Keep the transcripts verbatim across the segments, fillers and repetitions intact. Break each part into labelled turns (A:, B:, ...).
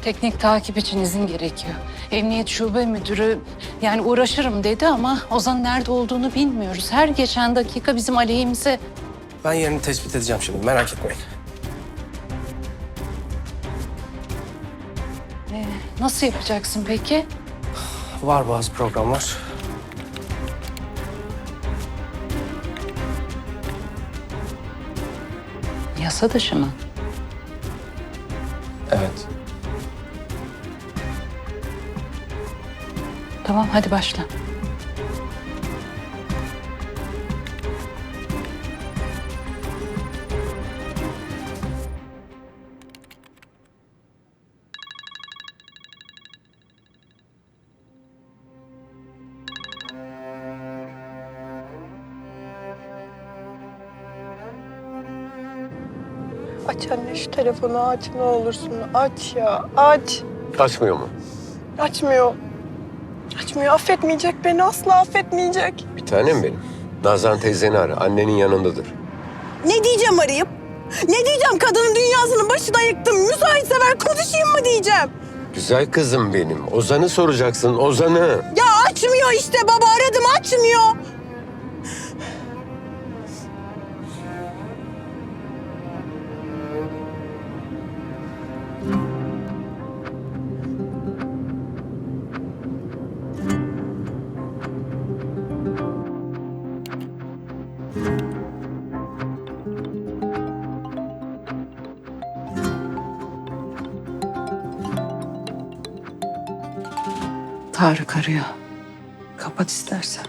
A: Teknik takip için izin gerekiyor. Emniyet şube müdürü yani uğraşırım dedi ama Ozan'ın nerede olduğunu bilmiyoruz. Her geçen dakika bizim aleyhimize.
B: Ben yerini tespit edeceğim şimdi, merak etmeyin.
A: Ee, nasıl yapacaksın peki?
B: Var bazı programlar.
A: Yasa dışı mı?
B: Evet.
A: Tamam hadi başla.
C: Aç anne şu telefonu aç ne olursun. Aç ya aç.
D: Açmıyor mu?
C: Açmıyor. Açmıyor. Affetmeyecek beni. Asla affetmeyecek.
D: Bir tanem benim. Nazan teyzeni ara. Annenin yanındadır.
C: Ne diyeceğim arayıp? Ne diyeceğim? Kadının dünyasının başına yıktım. Müsaitse ver konuşayım mı diyeceğim.
D: Güzel kızım benim. Ozan'ı soracaksın, Ozan'ı.
C: Ya açmıyor işte baba. Aradım açmıyor.
A: Tarık arıyor. Kapat istersen.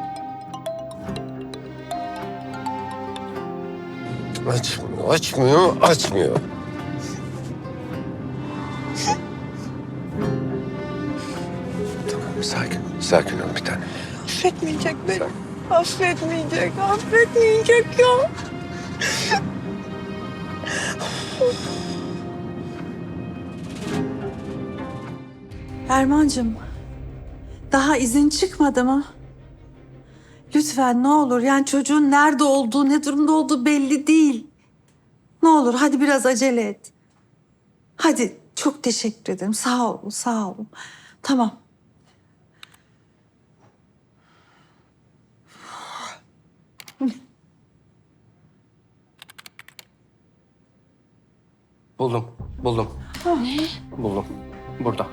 D: Açmıyor, açmıyor, açmıyor. Tamam, sakin, sakin ol bir tanem.
C: Affetmeyecek beni. Affetmeyecek. Affetmeyecek ya.
E: Erman'cığım, daha izin çıkmadı mı? Lütfen ne olur, yani çocuğun nerede olduğu, ne durumda olduğu belli değil. Ne olur hadi biraz acele et. Hadi, çok teşekkür ederim. Sağ olun, sağ olun. Tamam.
B: Buldum, buldum.
A: Ne?
B: Buldum. Burada.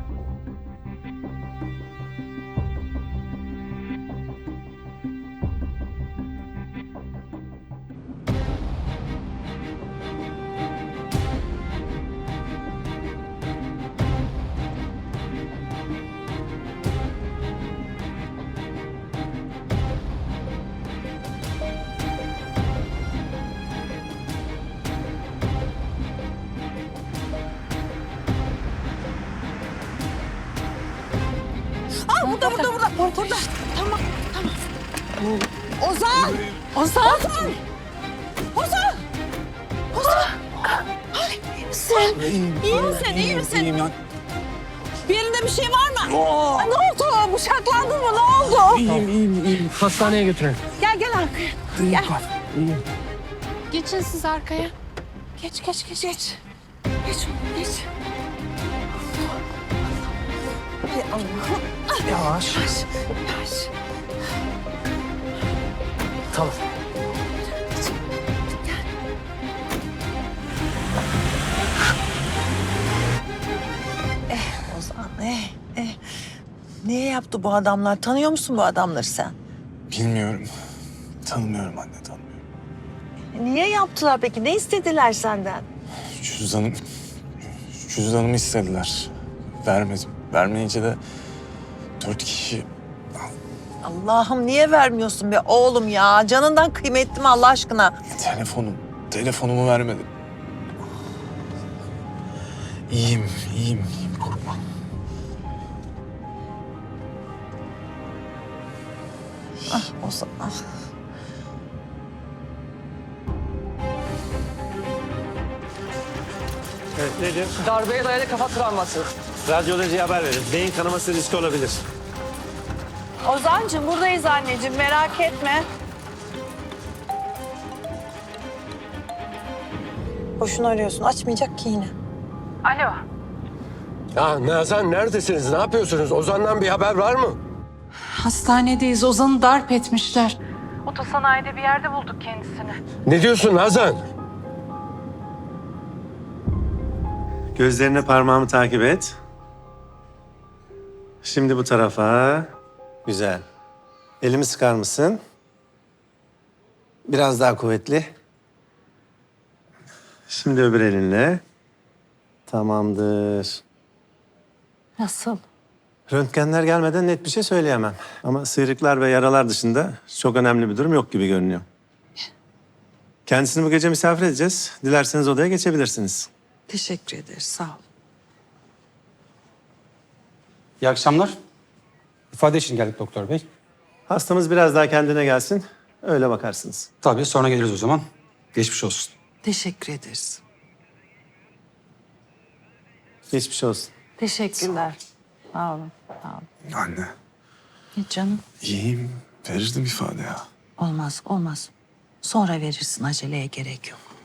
C: Aa, burada, burada, burada, burada. Burada. Tamam, tamam. Ozan! Ozan! Ozan! Ozan! Ozan! Ay, iyi misin? İyi misin, iyi misin?
F: İyiyim ya.
C: Bir yerinde bir şey var mı? Aa, ne oldu? Bıçaklandın mı? Ne oldu?
F: İyiyim, iyiyim, iyiyim.
B: Hastaneye götürelim.
C: Gel, gel arkaya.
F: İyiyim,
C: Gel.
F: iyiyim.
A: Geçin siz arkaya.
C: Geç, geç, geç, geç. Geç oğlum, geç. Hay Allah'ım.
B: Yavaş.
C: Yavaş, yavaş.
B: Tamam.
E: Ozan, eh, eh. Niye yaptı bu adamlar? Tanıyor musun bu adamları sen?
F: Bilmiyorum. Tanımıyorum anne, tanımıyorum.
E: Niye yaptılar peki? Ne istediler senden?
F: Cüzdanım... Cüzdanımı istediler. Vermedim. Vermeyince de dört kişi...
E: Allah'ım niye vermiyorsun be oğlum ya? Canından kıymetli mi Allah aşkına?
F: Telefonum, telefonumu vermedi. İyiyim, iyiyim, iyiyim. Korkma.
E: Ah Ozan, ah.
G: Evet, nedir? Darbeye dayalı kafa travması. Radyolojiye haber verin. Beyin kanaması riski olabilir.
C: Ozancığım buradayız anneciğim merak etme. Boşuna arıyorsun açmayacak ki yine.
A: Alo.
D: Ya Nazan neredesiniz? Ne yapıyorsunuz? Ozan'dan bir haber var mı?
A: Hastanedeyiz. Ozan'ı darp etmişler. Otosanayide bir yerde bulduk kendisini.
D: Ne diyorsun Nazan?
G: Gözlerine parmağımı takip et. Şimdi bu tarafa. Güzel. Elimi sıkar mısın? Biraz daha kuvvetli. Şimdi öbür elinle. Tamamdır.
A: Nasıl?
G: Röntgenler gelmeden net bir şey söyleyemem. Ama sıyrıklar ve yaralar dışında çok önemli bir durum yok gibi görünüyor. Kendisini bu gece misafir edeceğiz. Dilerseniz odaya geçebilirsiniz.
E: Teşekkür ederiz. Sağ ol.
H: İyi akşamlar. İfade için geldik doktor bey.
G: Hastamız biraz daha kendine gelsin. Öyle bakarsınız.
H: Tabii sonra geliriz o zaman. Geçmiş olsun.
E: Teşekkür ederiz.
G: Geçmiş olsun.
A: Teşekkürler. Sağ olun. Sağ olun.
F: Anne,
E: Hiç canım.
F: iyiyim. Verirdim ifade ya.
E: Olmaz, olmaz. Sonra verirsin. Aceleye gerek yok.